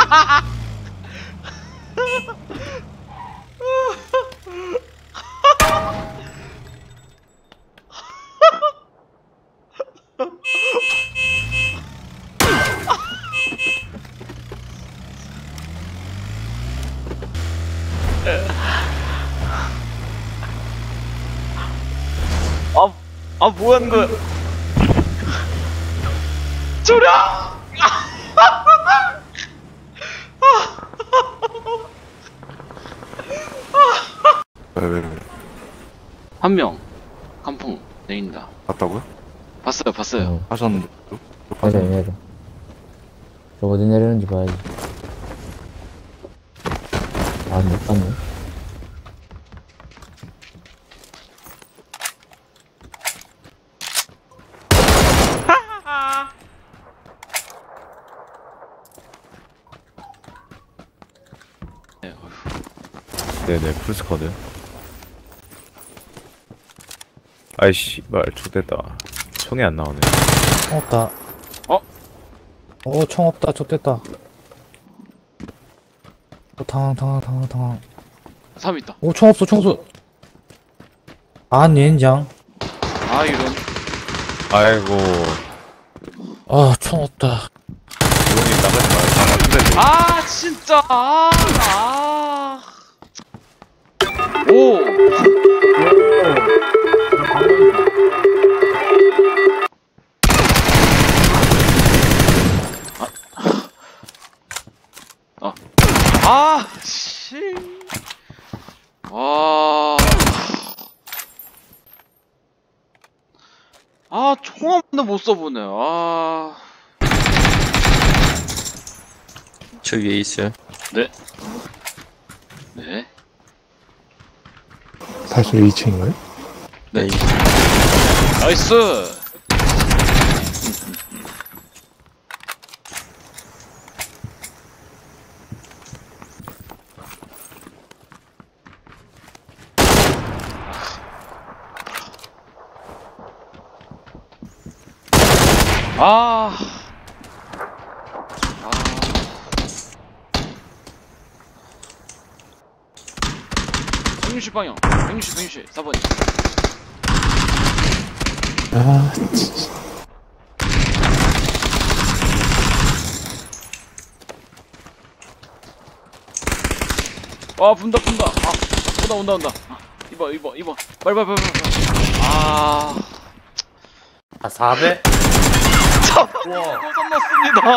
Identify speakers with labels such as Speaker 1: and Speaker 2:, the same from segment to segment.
Speaker 1: 뭐 하는 거야? 조려!
Speaker 2: 왜?
Speaker 1: 한 명, 깜풍 내린다.
Speaker 2: 봤다고요?
Speaker 1: 봤어요.
Speaker 2: 하셨는데
Speaker 3: 내려. 저 어디 내리는지 봐야지. 아, 못 봤네.
Speaker 2: 네네 풀스쿼드. 아이씨 말 좋됐다. 총이 안 나오네.
Speaker 4: 총 없다. 총 없다. 좆됐다. 당황.
Speaker 1: 3 있다.
Speaker 4: 총 없어, 총 없어. 아, 닌장.
Speaker 1: 아, 이런.
Speaker 2: 아이고
Speaker 4: 총 없다.
Speaker 2: 기운이 나가지 마.
Speaker 1: 아, 진짜. 오. 씨. 총 한 번도 못 써보네.
Speaker 5: 저 위에 있어요.
Speaker 1: 네.
Speaker 4: 사실 2층인가요?
Speaker 5: 네.
Speaker 1: 나이스. 아. 160방향. 160, 4번.
Speaker 4: 아, 진짜.
Speaker 1: 분다. 온다. 이봐. 빨리.
Speaker 5: 4배?
Speaker 1: 고장 났습니다.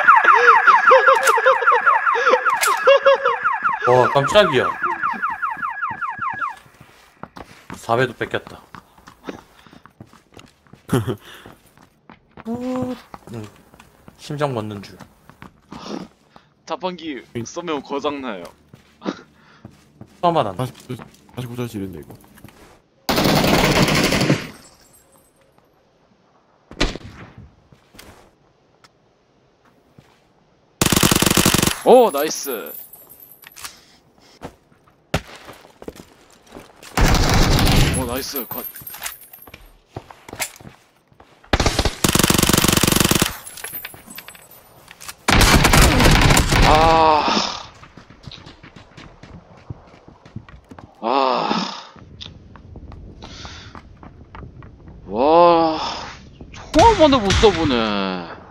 Speaker 5: 와, 깜짝이야. 4배도 뺏겼다. 심장 멎는 줄.
Speaker 1: 자판기 쏘면 고장 나요.
Speaker 5: 처음 알았네.
Speaker 2: 다시 고자질인데 이거.
Speaker 1: 오, 나이스. 오, 나이스. 컷. 와, 총 한 번도 못 써보네.